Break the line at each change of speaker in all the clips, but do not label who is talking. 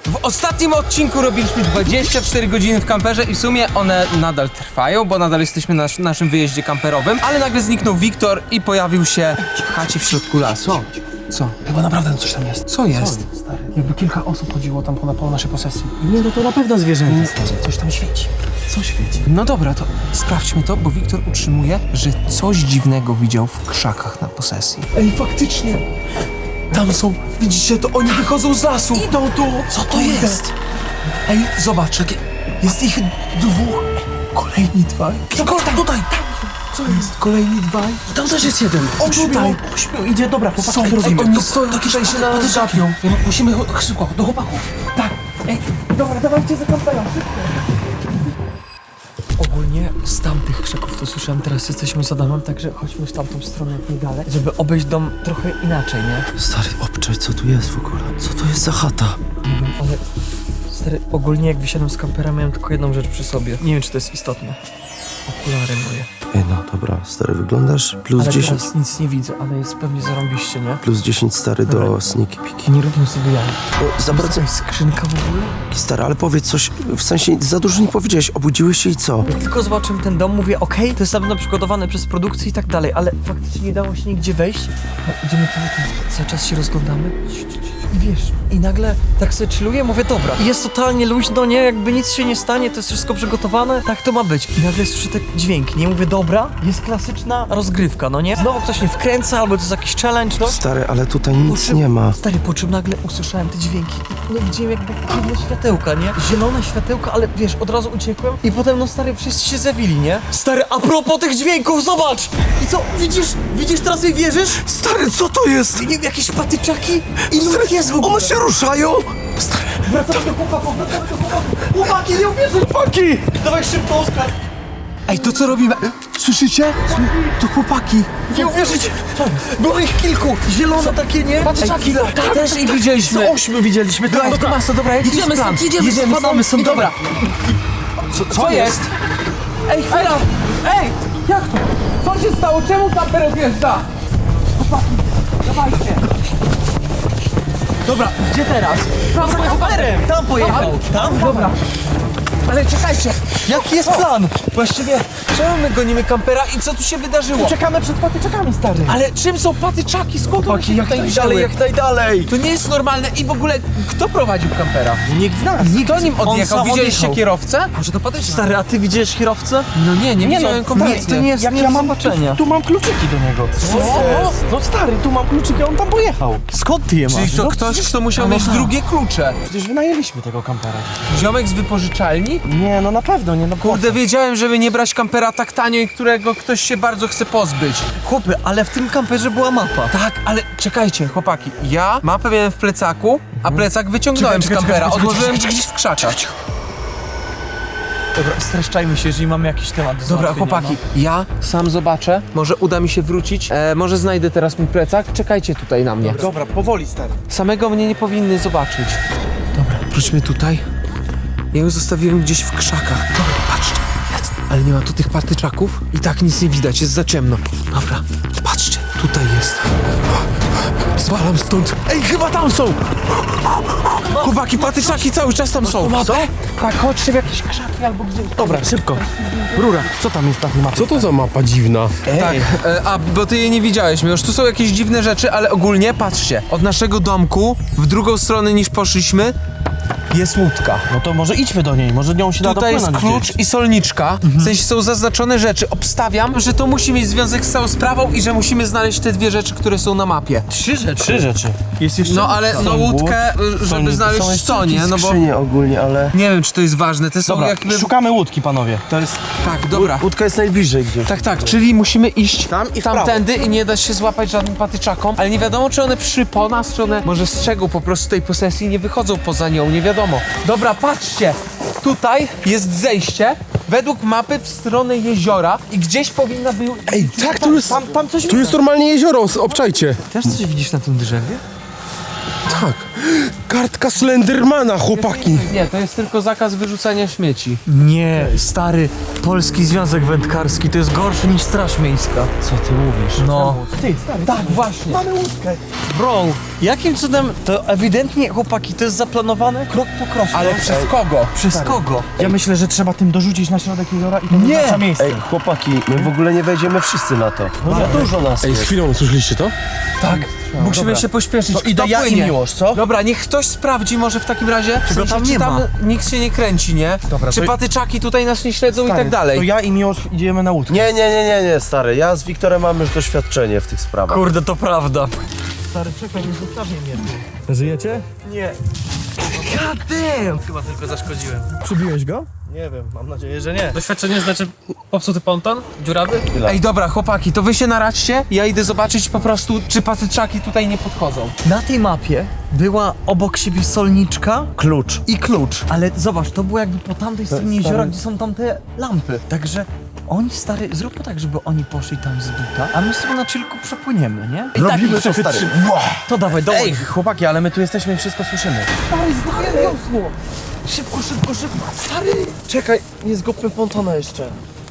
W ostatnim odcinku robiliśmy 24 godziny w kamperze i w sumie one nadal trwają, bo nadal jesteśmy na naszym wyjeździe kamperowym, ale nagle zniknął Wiktor i pojawił się w chacie w środku lasu. Co?
Chyba naprawdę coś tam jest.
Co jest?
Stary, jakby kilka osób chodziło tam po naszej posesji.
Nie, no to na pewno zwierzęta.
Coś tam świeci. Co świeci?
No dobra, to sprawdźmy to, bo Wiktor utrzymuje, że coś dziwnego widział w krzakach na posesji.
Ej, faktycznie! Tam są, widzicie, to oni wychodzą z lasu! Idą tu! Co to jest?
Ej, zobacz,
Jest ich dwóch. Kolejni dwaj. Tutaj! Co jest? Kolejni dwaj.
Tam też jest jeden.
Tutaj!
Ośmiu idzie, dobra, chłopaki,
Są,
co robimy?
oni stoją tutaj się na nas gapią.
Musimy szybko, do chłopaków.
Tak! Ej, dobra, dawajcie za kampera, szybko!
Ogólnie z tamtych krzaków to słyszałem, teraz jesteśmy za domem, także chodźmy w tamtą stronę jak nie dalej, żeby obejść dom trochę inaczej, nie?
Stary, obczaj, co tu jest w ogóle? Co to jest za chata?
Nie wiem, ale... Stary, ogólnie jak wysiadłem z kampera miałem tylko jedną rzecz przy sobie. Nie wiem, czy to jest istotne. Okulary moje.
Ej, no dobra, stary, wyglądasz plus
Ale
10,
teraz nic nie widzę, ale jest pewnie zarąbiście, nie?
plus 10 stary do sneaky piki.
Nie róbmy sobie jaj.
Bo za bardzo,
Jest skrzynka w ogóle?
stary, ale powiedz coś, w sensie za dużo nie powiedziałeś, obudziłeś się i co?
Jak tylko zobaczyłem ten dom, mówię, okej, to jest na pewno przygotowane przez produkcję i tak dalej, ale faktycznie nie dało się nigdzie wejść. No, idziemy cały czas się rozglądamy. I wiesz, i nagle tak sobie chilluję, mówię, dobra. I jest totalnie luźno, nie? Jakby nic się nie stanie, to jest wszystko przygotowane, tak to ma być. I nagle słyszę ten dźwięk, nie? Mówię, dobra, jest klasyczna rozgrywka, no nie? Znowu ktoś mnie wkręca, albo to jest jakiś challenge, no.
Stary, ale tutaj nic
Po czym-
nie ma.
Stary, po czym nagle usłyszałem te dźwięki i no widziałem jakby dziwne światełka, nie? Zielone światełka, ale wiesz, od razu uciekłem i potem no stary, wszyscy się zawili, nie? Stary, a propos tych dźwięków, zobacz! I co, widzisz teraz i wierzysz?
Stary, co to jest?
Nie wiem, jakieś patyczaki i nóg jest w ogóle.
One się ruszają!
Wracamy do chłopaków. Chłopaki, nie uwierzysz! Chłopaki! Dawaj szybko, Oskar!
Ej, to co robimy? Słyszycie? To chłopaki.
Nie uwierzycie! Było ich kilku! Zielone takie, nie?
Patyczaki, też ich widzieliśmy.
8 widzieliśmy,
Dobra, to masa, dobra, jaki jest plan? Jedziemy, spadamy stąd, dobra. Co jest? Ej, chwila! Ej! Jak to? Co się stało? Czemu kamper odjeżdża? Chłopaki, dawajcie. Dobra, gdzie teraz?
Za kamperem! Tam pojechał! Tam?
Dobra. Ale czekajcie,
Jaki jest plan?
właściwie czemu my gonimy kampera i co tu się wydarzyło?
Czekamy przed patyczakami, stary!
Ale czym są patyczaki? Skąd one się
jak
tutaj
najdalej,
wzięły?
jak najdalej!
To nie jest normalne i w ogóle kto prowadził kampera?
Nikt z nas!
Kto nim odjechał?
sam
Widzieliście
odjechał.
kierowcę?
Może to patyczny? Stary, a ty widziałeś kierowcę?
No nie widziałem kompletnie.
to nie jest
Jak
nie
ja
do
mam
zobaczenia.
tu mam kluczyki do niego.
Co?
No stary, tu mam kluczyki, on tam pojechał.
Skąd ty je
Czyli to ktoś, kto musiał mieć drugie klucze.
Przecież wynajęliśmy tego kampera.
Ziomek z wypożyczalni?
Nie, no na pewno, nie, no
Kurde, wiedziałem, żeby nie brać kampera tak tanio i którego ktoś się bardzo chce pozbyć.
Chłopy, ale w tym kamperze była mapa.
Tak, ale czekajcie, chłopaki. Ja mapę miałem w plecaku, a plecak wyciągnąłem z kampera. Odłożyłem gdzieś w krzakach.
Dobra, streszczajmy się, jeżeli mamy jakiś temat do
Dobra,
załatwienia,
chłopaki, ja sam zobaczę. Może uda mi się wrócić. Może znajdę teraz mój plecak. Czekajcie tutaj na mnie.
Dobra, powoli, stary.
Samego mnie nie powinny zobaczyć. Dobra, wróćmy tutaj. Ja ją zostawiłem gdzieś w krzakach. Dobra, patrzcie. Jest. Ale nie ma tu tych patyczaków. I tak nic nie widać, jest za ciemno. Dobra, patrzcie, tutaj jest. Zwalam stąd. Ej, chyba tam są! Chłopaki, patyczaki cały czas tam są.
Co?
Tak, chodźcie w jakieś krzaki albo gdzieś.
Dobra, szybko. Rura, co tam jest na tej mapie?
Co to za mapa dziwna?
Tak, bo ty je nie widziałeś, już tu są jakieś dziwne rzeczy, ale ogólnie patrzcie, od naszego domku w drugą stronę niż poszliśmy jest łódka.
No to może idźmy do niej, może nią się da
Tutaj jest
dopłynąć
klucz i solniczka, w sensie są zaznaczone rzeczy. Obstawiam, że to musi mieć związek z całą sprawą i że musimy znaleźć te dwie rzeczy, które są na mapie.
Trzy rzeczy.
Jest jeszcze...
No ale no łódkę, żeby znaleźć co, nie? No bo
Skrzynie ogólnie, ale...
nie wiem, czy to jest ważne, te są
Dobra,
jakby...
szukamy łódki, panowie. To jest...
Tak, dobra.
Łódka jest najbliżej gdzieś.
Tak, czyli musimy iść
Tam i w prawo.
tamtędy i nie da się złapać żadnym patyczakom, ale nie wiadomo, czy one po nas, czy one może strzegą po prostu tej posesji i nie wychodzą poza nią, nie wiadomo. Dobra, patrzcie, tutaj jest zejście według mapy w stronę jeziora i gdzieś powinna być...
Ej, tak, tu jest,
Tam coś
tu jest normalnie jezioro, obczajcie.
Też coś widzisz na tym drzewie?
Tak. kartka Slendermana, chłopaki.
Nie, to jest tylko zakaz wyrzucania śmieci.
Nie, stary, Polski Związek Wędkarski to jest gorsze niż Straż Miejska.
Co ty mówisz?
No.
Ty, stary,
Tak, właśnie.
mamy łódkę.
Bro, jakim cudem to ewidentnie, chłopaki, to jest zaplanowane krok po kroku.
Ale przez kogo?
Przez kogo?
Ja myślę, że trzeba tym dorzucić na środek jeziora i to
Nie!
wyznacza miejsce.
Ej, chłopaki, my w ogóle nie wejdziemy wszyscy na to. Za dużo nas
Ej,
jest.
chwilą, słyszeliście to?
Tak. Musimy się pośpieszyć.
To idę
Kto
ja i
płynie?
Miłosz, co?
Dobra, niech ktoś sprawdzi może w takim razie, w sensie,
tam
czy
nie
tam
ma.
nikt się nie kręci, nie?
Dobra,
Czy
to-
patyczaki tutaj nas nie śledzą i
Stary,
tak dalej.
To ja i Miłosz idziemy na łódkę.
Nie, stary. Ja z Wiktorem mam już doświadczenie w tych sprawach.
Kurde, to prawda.
Stary, czekaj, nie zostawię mnie tu. Żyjecie?
Nie.
Chyba tylko zaszkodziłem.
Przybiłeś go?
Nie wiem, mam nadzieję, że nie. Doświadczenie znaczy popsuty ponton? Dziurawy?
Ej, dobra, chłopaki, to wy się naradźcie, ja idę zobaczyć po prostu, czy patyczaki tutaj nie podchodzą.
Na tej mapie była obok siebie solniczka
Klucz.
i klucz. Ale zobacz, to było jakby po tamtej stronie jeziora, gdzie są tamte lampy. Także oni, stary, zróbmy tak, żeby oni poszli tam z buta, a my sobie na chillku przepłyniemy, nie? I
Robimy
tak,
to, stary.
to dawaj, dołącz.
Ej, chłopaki, ale my tu jesteśmy i wszystko słyszymy.
Szybko, szybko, szybko. Stary!
Czekaj, nie zgubmy pontona jeszcze.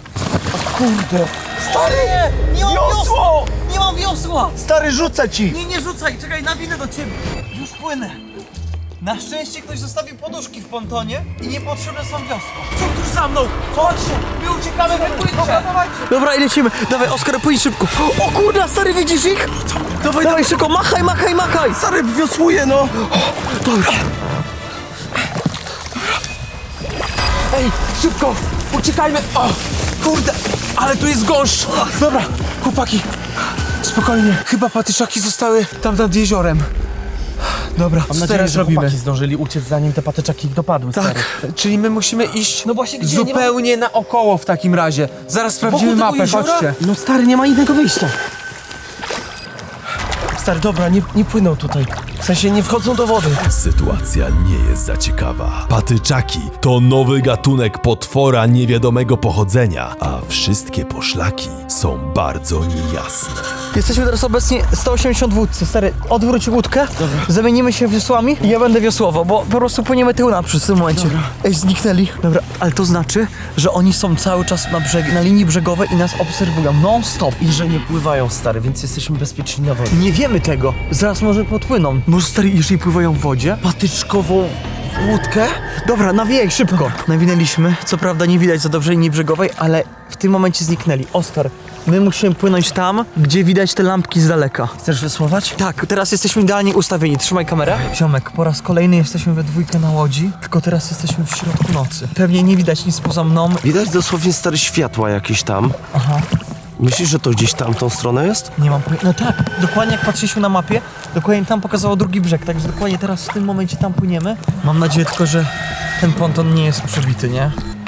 Nie mam wiosła! Nie mam wiosła!
Stary, rzucę ci!
Nie rzucaj, czekaj, nawinę do ciebie. Już płynę. Na szczęście ktoś zostawił poduszki w pontonie i niepotrzebne są wiosła. Co tuż za mną? Chodźcie, my uciekamy we dwójkę. Dobra, i lecimy. Dawaj, Oskar, płyń szybko. O kurde, stary, widzisz ich? Dawaj, szybko, machaj, machaj, machaj.
Stary, wiosłuję, no!
Ej, szybko, uciekajmy! O, kurde, ale tu jest gąszcz! Dobra, chłopaki, spokojnie, chyba patyczaki zostały tam nad jeziorem. Dobra, co teraz
że
robimy?
chłopaki zdążyli uciec, zanim te patyczaki ich dopadły, stary.
Tak, czyli my musimy iść
No właśnie, gdzie?
zupełnie naokoło w takim razie. Zaraz sprawdzimy
tego
mapę,
jeziora?
chodźcie.
No stary, nie ma innego wyjścia. Stary, dobra, nie płyną tutaj. W sensie nie wchodzą do wody.
Sytuacja nie jest za ciekawa. Patyczaki to nowy gatunek potwora niewiadomego pochodzenia, a wszystkie poszlaki są bardzo niejasne.
Jesteśmy teraz obecnie 180 w łódce. Stary, odwróć łódkę, zamienimy się wiosłami i ja będę wiosłował, bo po prostu płyniemy tył naprzód w tym momencie. Ej, zniknęli. Dobra, ale to znaczy, że oni są cały czas na linii brzegowej i nas obserwują non-stop.
I że nie pływają, stary, więc jesteśmy bezpieczni na wodzie.
Nie wiemy tego. Zaraz może podpłyną. Może, stary, jeżeli pływają w wodzie?
Patyczkową łódkę?
Dobra, nawijaj szybko. Nawinęliśmy. Co prawda nie widać za dobrze linii brzegowej, ale w tym momencie zniknęli. Oskar, my musimy płynąć tam, gdzie widać te lampki z daleka.
Chcesz wysłować?
Tak, teraz jesteśmy idealnie ustawieni. Trzymaj kamerę. Ziomek, po raz kolejny jesteśmy we dwójkę na łodzi, tylko teraz jesteśmy w środku nocy. Pewnie nie widać nic poza mną.
Widać dosłownie stare światła jakieś tam.
Aha,
Myślisz, że to gdzieś tamtą stronę jest?
nie mam pojęcia. No tak, dokładnie jak patrzyliśmy na mapie, dokładnie tam pokazało drugi brzeg, także dokładnie teraz w tym momencie tam płyniemy. Mam nadzieję tylko, że ten ponton nie jest przebity, nie?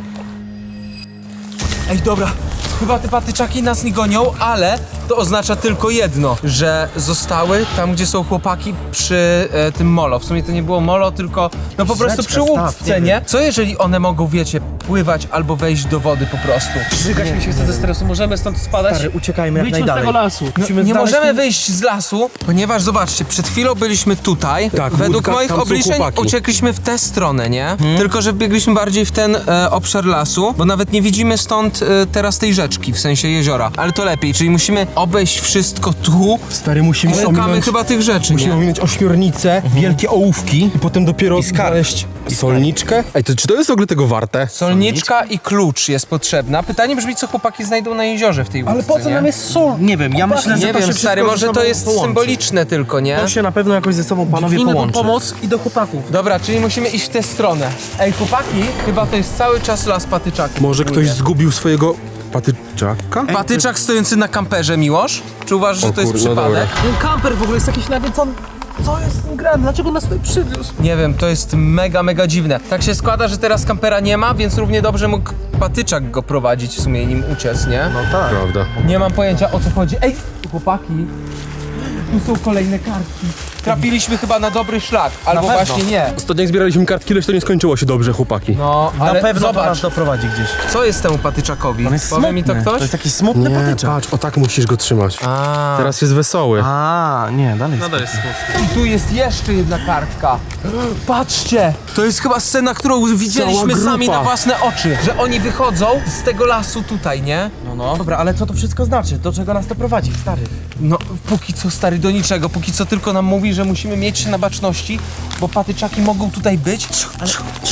Ej, dobra, chyba te patyczaki nas nie gonią, ale to oznacza tylko jedno, że zostały tam, gdzie są chłopaki przy tym molo. W sumie to nie było molo, tylko no po prostu przy łódce, nie? Co jeżeli one mogą, wiecie, pływać albo wejść do wody po prostu?
Żygać mi się chce ze stresu, możemy stąd spadać.
Stary, uciekajmy jak
Wyjdźmy z
najdalej.
tego lasu.
No, nie możemy wyjść z lasu, ponieważ zobaczcie, przed chwilą byliśmy tutaj.
Tak,
Według
łódka,
moich
tam są
obliczeń
chłopaki.
uciekliśmy w tę stronę, nie? Tylko, że biegliśmy bardziej w ten obszar lasu, bo nawet nie widzimy stąd teraz tej rzeczki, w sensie jeziora. Ale to lepiej, czyli musimy obejść wszystko tu.
Stary, musimy
Szukamy
ominąć,
chyba tych rzeczy,
musimy
nie?
ominąć ośmiornicę, wielkie ołówki i potem dopiero znaleźć solniczkę. Ej, to czy to jest w ogóle tego warte?
Solniczka i klucz jest potrzebna. Pytanie brzmi, co chłopaki znajdą na jeziorze w tej łódce,
Ale po co
nie?
nam jest sól? Nie wiem, ja myślę, że
Nie
to się
wiem, stary,
wszystko
może
ze
to
sobą
jest
połączy.
symboliczne tylko, nie?
To się na pewno jakoś ze sobą panowie
Inny po
połączy.
pomoc i do chłopaków.
Dobra, czyli musimy iść w tę stronę. Ej, chłopaki, chyba to jest cały czas las patyczaków.
Może ktoś zgubił swojego patyczaka?
Patyczak stojący na kamperze, Miłosz? Czy uważasz, że to jest
kurde, no
przypadek?
Ten kamper w ogóle jest jakiś nawiedzony. Co jest z tym grem? Dlaczego nas tutaj przywiózł?
Nie wiem, to jest mega dziwne. Tak się składa, że teraz kampera nie ma, więc równie dobrze mógł patyczak go prowadzić w sumie i nim uciec, nie?
No tak.
Prawda.
Nie mam pojęcia, o co chodzi. Ej, chłopaki, tu są kolejne kartki. trafiliśmy chyba na dobry szlak, albo
pewno.
właśnie nie.
Ostatnio jak zbieraliśmy kartki, lecz to nie skończyło się dobrze, chłopaki.
No,
Na
ale
pewno to
zobacz,
nas doprowadzi gdzieś.
co jest temu patyczakowi?
On jest
Powie mi to
smutny.
ktoś?
To jest taki smutny
Nie,
patyczak.
patrz, o tak musisz go trzymać.
A.
Teraz jest wesoły.
A, nie, dalej jest.
I tu jest jeszcze jedna kartka. Patrzcie! To jest chyba scena, którą widzieliśmy
grupa.
sami na własne oczy. Że oni wychodzą z tego lasu tutaj, nie?
No, dobra, ale co to wszystko znaczy? Do czego nas to prowadzi, stary?
No, póki co, stary, do niczego. Póki co tylko nam mówi, że musimy mieć się na baczności, bo patyczaki mogą tutaj być. Ale...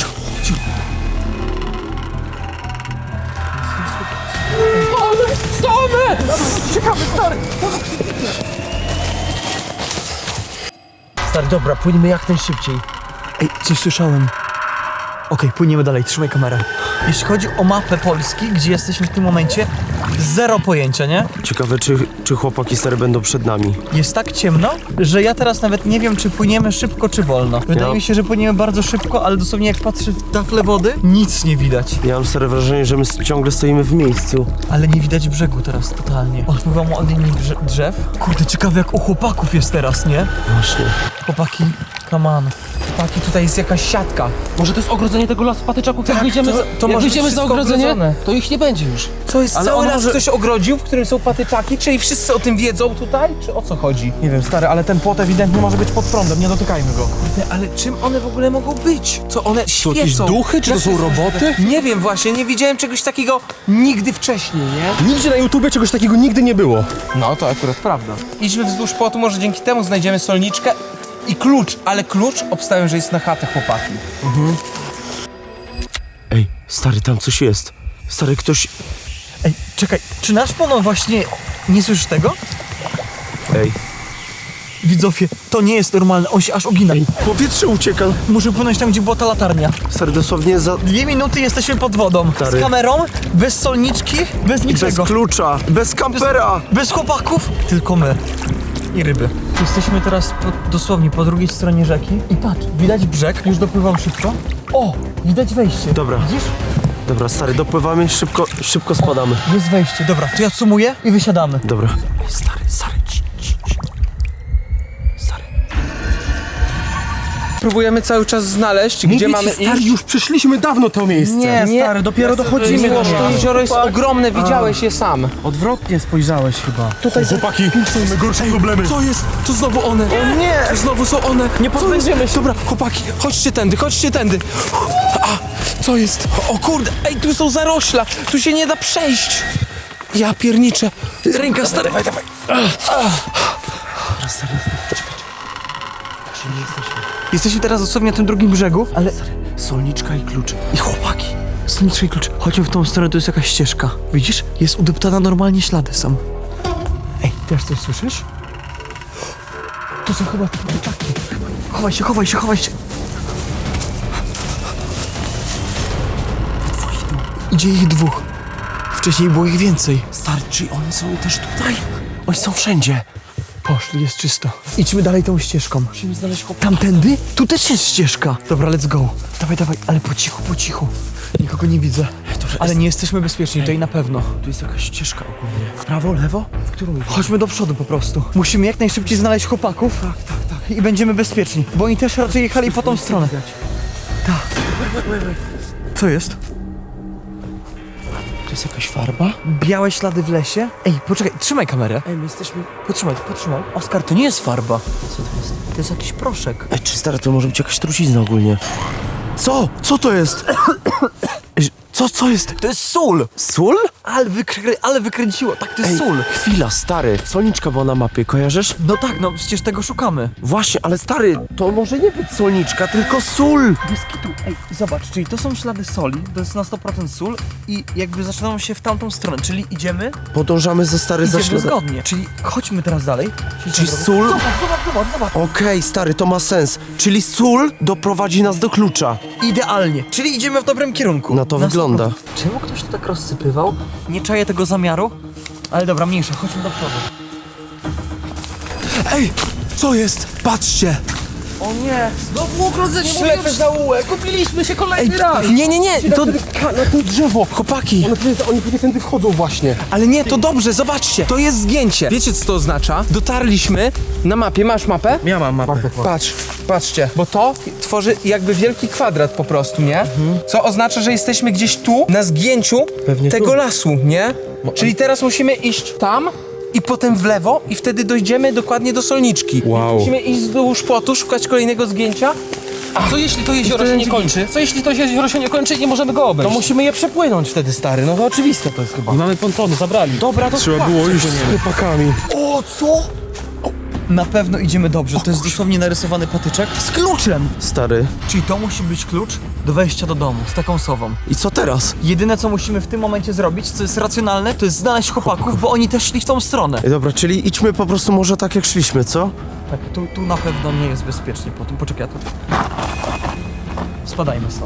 Stary, dobra, płyniemy jak najszybciej. Ej, coś słyszałem. Okej, płyniemy dalej, trzymaj kamerę. Jeśli chodzi o mapę Polski, gdzie jesteśmy w tym momencie, zero pojęcia, nie?
Ciekawe, czy chłopaki stare będą przed nami.
Jest tak ciemno, że ja teraz nawet nie wiem, czy płyniemy szybko, czy wolno. Wydaje mi się, że płyniemy bardzo szybko, ale dosłownie jak patrzę w taflę wody, nic nie widać.
Ja mam stare wrażenie, że my ciągle stoimy w miejscu.
Ale nie widać brzegu teraz totalnie. Odpływam od linii drzew. Kurde, ciekawe jak u chłopaków jest teraz, nie?
Właśnie.
Chłopaki, come on.
Chłopaki, tutaj jest jakaś siatka.
Może to jest ogrodzenie tego lasu patyczaków? Jak wyjdziemy,
to
za,
może
jak
być
wyjdziemy za
wszystko
ogrodzenie,
ogrodzone.
to ich nie będzie już.
Co jest
Ale
cały
on
las
może-
ktoś ogrodził, w którym są patyczaki? Czyli wszyscy o tym wiedzą tutaj? Czy o co chodzi?
Nie wiem, stary, ale ten płot ewidentnie może być pod prądem, nie dotykajmy go.
Ale czym one w ogóle mogą być? Co one świecą?
jakieś duchy, czy to są roboty?
Nie wiem właśnie, nie widziałem czegoś takiego nigdy wcześniej, nie?
Nigdzie na YouTubie czegoś takiego nigdy nie było.
No, to akurat prawda. Idźmy wzdłuż płotu, może dzięki temu znajdziemy solniczkę i klucz, ale klucz obstawiam, że jest na chatę chłopaki.
Ej, stary, tam coś jest. Stary, ktoś...
Ej, czekaj, czy nasz pono właśnie nie słyszysz tego?
Ej,
Widzowie, to nie jest normalne, on się aż ugina.
powietrze ucieka.
Muszę płynąć tam, gdzie była ta latarnia.
Stary, dosłownie za...
2 minuty jesteśmy pod wodą.
Stary.
Z kamerą, bez solniczki, bez
Bez
niczego.
klucza, bez kampera.
Bez chłopaków, tylko my. I ryby. Jesteśmy teraz dosłownie po drugiej stronie rzeki. I patrz, widać brzeg, już dopływam szybko. O, widać wejście.
Dobra.
Widzisz?
Dobra, stary, dopływamy, szybko spadamy.
Jest wejście, dobra. To ja sumuję i wysiadamy.
Dobra. Ej, stary, stary. Stary.
Próbujemy cały czas znaleźć, gdzie mamy
stary,
iść.
już przeszliśmy dawno to miejsce.
Nie, stary, dopiero dochodzimy do
Miłosz, to
niego.
jezioro jest ogromne, widziałeś je sam.
Odwrotnie spojrzałeś chyba.
Tutaj chłopaki, są najgorsze problemy.
Co jest? To znowu one. O nie! To znowu są one. Nie pozbędziemy się. Dobra, chłopaki, chodźcie tędy, chodźcie tędy. A, co jest? O kurde, ej, tu są zarośla. Tu się nie da przejść. Ja pierniczę. Ręka stary. Dawaj, dawaj.
Jesteśmy teraz dosłownie na tym drugim brzegu, ale...
Solniczka i klucz.
I chłopaki, solniczki klucz. Chodźmy w tą stronę, to jest jakaś ścieżka. Widzisz? Jest udeptana, normalnie ślady są. Ej, też coś słyszysz? To są chyba patyczaki. Chowaj się, chowaj się, chowaj się. Idzie ich 2. Wcześniej było ich więcej.
Stary, czy oni są też tutaj? Oni są wszędzie.
Poszli, jest czysto. Idźmy dalej tą ścieżką. Musimy znaleźć chłopaka. Tamtędy? Tu też jest ścieżka. Dobra, let's go. Dawaj, dawaj, ale po cichu, po cichu. Nikogo nie widzę. Ale nie jesteśmy bezpieczni, tutaj na pewno.
Tu jest jakaś ścieżka ogólnie. W prawo, lewo? W którą idzie?
Chodźmy do przodu po prostu. Musimy jak najszybciej znaleźć chłopaków. Tak. I będziemy bezpieczni. Bo oni też raczej jechali po tą stronę. Tak. Co jest?
To jest jakaś farba?
Białe ślady w lesie? Ej, poczekaj, trzymaj kamerę.
Ej, my jesteśmy...
Potrzymaj. Oskar, to nie jest farba.
Co to jest?
To jest jakiś proszek.
Ej, czy stary, to może być jakaś trucizna ogólnie? Co? Co to jest? Ej, co jest?
To jest sól!
Sól?
Ale wykręciło, tak, to jest sól.
Chwila, stary. Solniczka była na mapie, kojarzysz?
No tak, no przecież tego szukamy.
Właśnie, ale stary, to może nie być solniczka, tylko sól.
Bez kitu. Ej, zobacz, czyli to są ślady soli, to jest na 100% sól i jakby zaczynają się w tamtą stronę, czyli idziemy,
Podążamy za stary za
idziemy
śladem.
zgodnie. Czyli chodźmy teraz dalej.
Czyli sól?
Zobacz.
Okej, stary, to ma sens. Czyli sól doprowadzi nas do klucza.
Idealnie, czyli idziemy w dobrym kierunku.
Na to wygląda.
100%. Czemu ktoś to tak rozsypywał? Nie czaję tego zamiaru, ale dobra, mniejsza, chodźmy do przodu.
Ej, co jest? Patrzcie.
O nie!
Znowu ogrodzenie,
Ślepy zaułek!
Kupiliśmy się kolejny raz.
Nie, to...
Na to drzewo.
Chłopaki,
Oni pewnie tędy wchodzą właśnie.
ale nie, to dobrze, zobaczcie, to jest zgięcie. Wiecie, co to oznacza? Dotarliśmy na mapie, masz mapę?
Ja mam mapę.
Patrzcie, bo to tworzy jakby wielki kwadrat po prostu, nie? Co oznacza, że jesteśmy gdzieś tu, na zgięciu tego lasu, nie? Czyli teraz musimy iść tam i potem w lewo i wtedy dojdziemy dokładnie do Solniczki.
Wow.
Musimy iść wzdłuż płotu, szukać kolejnego zgięcia.
A co jeśli to jezioro się nie kończy? Co jeśli to jezioro się nie kończy i nie możemy go obejść?
To musimy je przepłynąć wtedy, stary. No to oczywiste to jest chyba.
Nie mamy pontonu, zabrali.
Dobra, to
Trzeba było iść z chłopakami.
O, co? Na pewno idziemy dobrze, to jest dosłownie narysowany patyczek z kluczem.
Stary.
Czyli to musi być klucz do wejścia do domu z taką sową.
I co teraz?
Jedyne co musimy w tym momencie zrobić, co jest racjonalne, to jest znaleźć chłopaków, bo oni też szli w tą stronę.
Ej, dobra, czyli idźmy po prostu może tak jak szliśmy, co?
Tak, tu na pewno nie jest bezpiecznie po tym. Poczekaj, ja tu... Spadajmy stąd.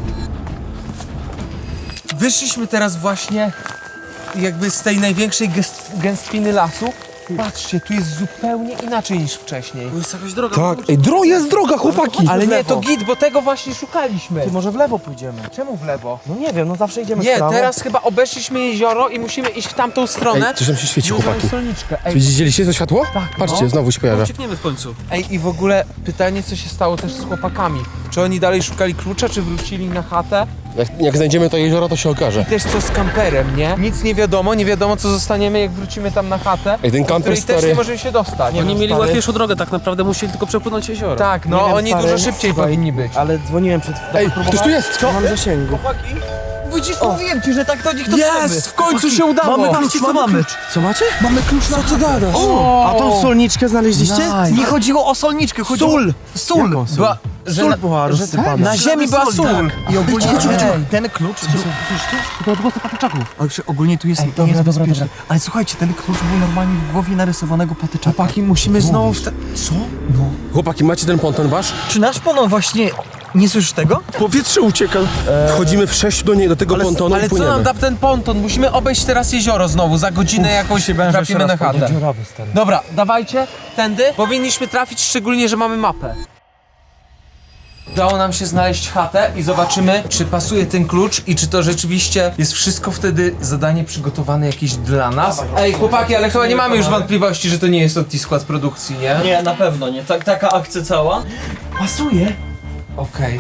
Wyszliśmy teraz właśnie jakby z tej największej gęstwiny lasu. Patrzcie, tu jest zupełnie inaczej niż wcześniej.
To jest jakaś droga.
Tak, ej, jest droga, chłopaki.
Ale nie, to git, bo tego właśnie szukaliśmy.
Ty może w lewo pójdziemy.
Czemu w lewo?
No nie wiem, no zawsze idziemy w
Nie,
prawo.
teraz chyba obeszliśmy jezioro i musimy iść w tamtą stronę.
Ej, coś tam się świeci, chłopaki.
Solniczkę.
Widzieliście to światło?
Tak,
Patrzcie,
no.
znowu się pojawia.
Uciekniemy w końcu.
Ej, i w ogóle pytanie, co się stało też z chłopakami. Czy oni dalej szukali klucza, czy wrócili na chatę?
Jak znajdziemy to jezioro, to się okaże.
Też co z kamperem, nie? Nic nie wiadomo co zostaniemy, jak wrócimy tam na chatę.
Ej, ten
do
kamper,
której też
stary.
nie możemy się dostać.
Oni mieli łatwiejszą drogę, tak naprawdę musieli tylko przepłynąć jezioro.
Tak, no
Nie wiem,
oni
stary,
dużo szybciej
słuchaj,
powinni być.
Ale dzwoniłem przed...
Ej, ktoś tu jest!
Co? Mam zasięgu.
Widzisz, mówiłem ci, że tak do nich dotrzemy.
Jest! W końcu się udało!
Mamy klucz, co mamy?
Co macie?
Mamy klucz na co gadasz?
A tą solniczkę znaleźliście?
Nie chodziło o solniczkę, chodziło...
Sól!
Sól!
Jaką sól?
Była,
Sól była rozsypana.
na ziemi była sól.
Tak. I ogólnie ten klucz...
To odgłosy patyczaków.
Ale ogólnie tu jest, nie jest bezpieczny. Ale słuchajcie, ten klucz był normalnie w głowie narysowanego patyczaka.
Chłopaki, musimy znowu w te... Co?
Chłopaki, macie ten ponton wasz?
Czy nasz ponon właśnie... Nie słyszysz tego?
Powietrze ucieka. Wchodzimy w 6 do tego pontonu
Ale
i
co nam
płyniemy.
da ten ponton? Musimy obejść teraz jezioro znowu, za godzinę jakąś trafimy na chatę. Dobra, dawajcie, tędy. Powinniśmy trafić, szczególnie, że mamy mapę. Udało nam się znaleźć chatę i zobaczymy, czy pasuje ten klucz i czy to rzeczywiście jest wszystko wtedy zadanie przygotowane jakieś dla nas. Ej, chłopaki, ale chyba nie mamy już wątpliwości, że to nie jest skład produkcji, nie?
Nie, na pewno nie. Taka akcja cała. Pasuje.
Okej.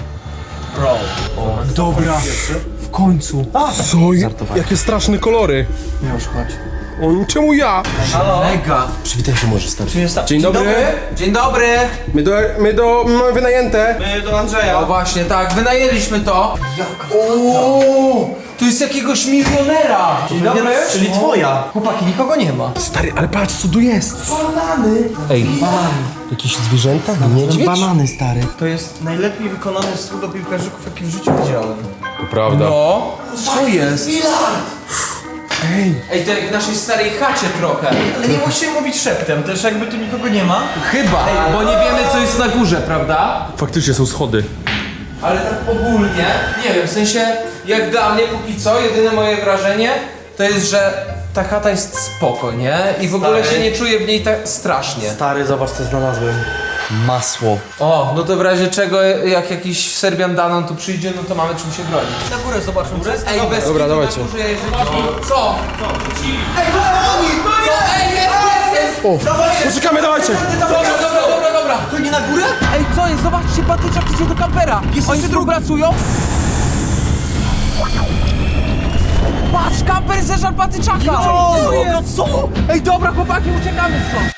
Dobra, w końcu.
Co? Jakie straszne kolory.
Już chodź.
O, czemu ja?
Mega.
Przywitaj się może, stary.
Jest
Dzień dobry.
Dzień dobry.
Mamy wynajęte.
do Andrzeja.
O właśnie, tak, wynajęliśmy to. O, tu jest jakiegoś milionera. Dzień dobry.
Czyli twoja. Chłopaki, nikogo nie ma.
Stary, ale patrz co tu jest.
Banany.
Ej, jakieś zwierzęta? Niedźwiedź?
Banany, stary.
To jest najlepiej wykonany stół do piłkarzyków, jaki w życiu widziałem.
To prawda.
No, co jest? Ej, to jak w naszej starej chacie trochę.
Ale nie musimy mówić szeptem, też jakby tu nikogo nie ma.
Chyba, bo nie wiemy co jest na górze, prawda?
Faktycznie są schody.
Ale tak ogólnie, nie wiem, w sensie jak dla mnie póki co, jedyne moje wrażenie to jest, że ta chata jest spoko, nie? I w ogóle się nie czuję w niej tak strasznie.
Stary, zobacz co znalazłem. Masło.
O, no to w razie czego jak jakiś Serbian Danon tu przyjdzie, no to mamy czym się bronić.
Na górę zobaczmy, co jest.
Ej, bez
Dobra,
kitu
dawajcie.
na górze, jeżeli... Co? Ej, co? Ej, jest!
Poczekamy, dawajcie.
Dobra.
To nie na górę?
Ej, co jest? Zobaczcie, patyczak idzie do kampera. Oni współpracują? Patrz, kamper zeżar patyczaka!
No co?
Ej, dobra, chłopaki, uciekamy stąd.